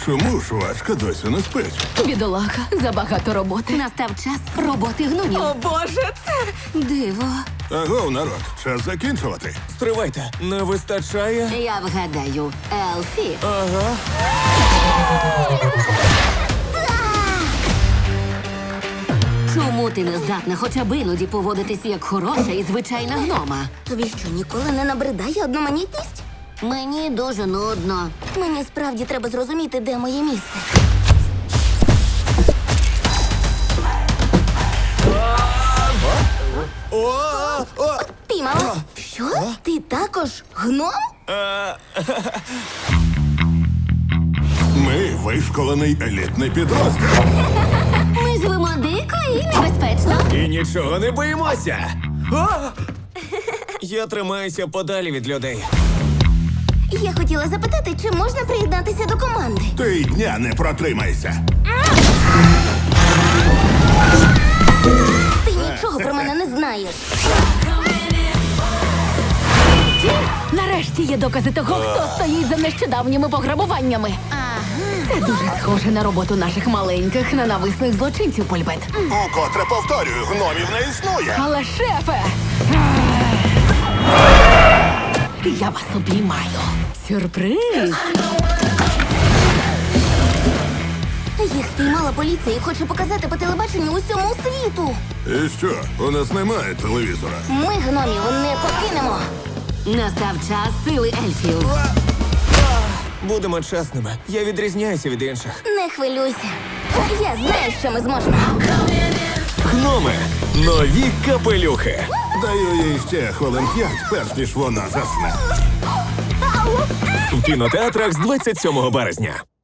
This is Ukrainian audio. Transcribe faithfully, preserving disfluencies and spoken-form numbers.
Чому швачка досі не спить? Бідолаха, забагато роботи. Настав час роботи гномів. О, Боже, це... Диво. Агов, народ, час закінчувати. Стривайте, не вистачає. Я вгадаю, Елфі. Ага. Чому ти не здатна хоча б іноді поводитись як хороша і звичайна гнома? Тобі що, ніколи не набридає одноманітність? Мені дуже нудно. Мені справді треба зрозуміти, де моє місце. О, о, Піймала? Що? Ти також гном? Ми вишколений елітний підрозділ. Ми живемо дико і небезпечно. і нічого не боїмося. О! Я тримаюся подалі від людей. Я хотіла запитати, чи можна приєднатися до команди. Ти й дня не протримайся. Ти нічого про мене не знаєш. Нарешті є докази того, хто стоїть за нещодавніми пограбуваннями. Це дуже схоже на роботу наших маленьких ненависних злочинців, Польбет. Укотре повторюю, гномів не існує. Але, шефе! Я вас обіймаю. Сюрприз! Їх спіймала поліція і хоче показати по телебаченню усьому світу. І що, у нас немає телевізора? Ми гномів не покинемо. Настав час сили ельфів. Будемо чесними. Я відрізняюся від інших. Не хвилюйся. Я знаю, що ми зможемо. Гноми. Нові капелюхи. Даю їй ще хвилин п'ять, перш ніж вона засне. В кінотеатрах з двадцять сьомого березня.